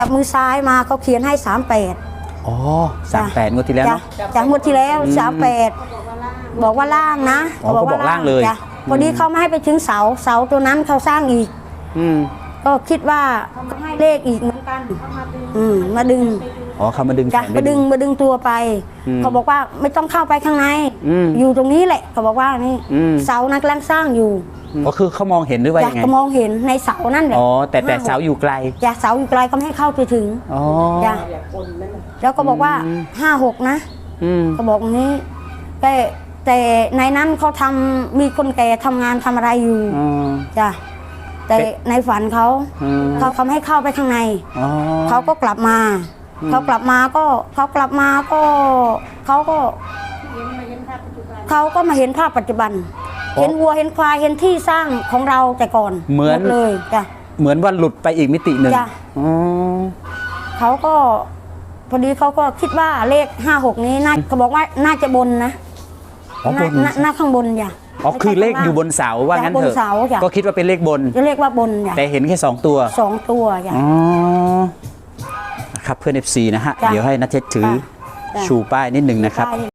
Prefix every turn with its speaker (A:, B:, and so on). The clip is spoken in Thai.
A: จับมือซ้ายมาเขาเขียนให้38
B: อ๋อ38งวดที่แล้วเนาะ
A: จากงวดที่แล้ว38บอกว่าล่างนะ
B: อ๋อเขาบอกล่างเลย
A: พอดีเขาไม่ให้ไปถึงเสาตัวนั้นเขาสร้างอีกก็คิดว่าเขาให้เลขอีกเหมือนกันมาดึง
B: อ๋อเขามาดึงแขน
A: มาดึงตัวไปเขาบอกว่าไม่ต้องเข้าไปข้างในอยู่ตรงนี้แหละเขาบอกว่านี่เสานั้นกำลังสร้างอยู่
B: ก็คือเขามองเห็นหรือว่ายังไง
A: ก็มองเห็นในเสานั่นแหละ
B: อ๋อแต่เสาอยู่ไกล
A: เสาอยู่ไกลก็ไม่ให้เข้าไปถึง
B: อ๋อ
A: แล้วก็บอกว่า56นะเขาบอกอย่างนี้แต่ในนั้นเขามีคนแก่ทำงานทำอะไรอยู่จ้ะแต่ในฝันเขาไม่ให้เข้าไปข้างในเขาก็กลับมาเขามาเห็นภาพปัจจุบันเห็นวัวเห็นควายเห็นที่สร้างของเราแต่ก่อน
B: เหมือน
A: เลยจ้ะ
B: เหมือนว่าหลุดไปอีกมิติหนึ่ง
A: เขาก็พอดีเขาก็คิดว่าเลข56นี้น่าเขาบอกว่าน่าจะบนนะน่าข้างบนจ้ะ
B: อ๋อคือเลขอยู่บนเสาว่างั้นเถอะก็คิดว่าเป็นเลขบน
A: จะเรียกว่าบนจ้ะ
B: แต่เห็นแค่2ตัว
A: จ้ะ
B: ครับเพื่อน FC นะฮะเดี๋ยวให้ณเทศถือชูป้ายนิดหนึ่งนะครับ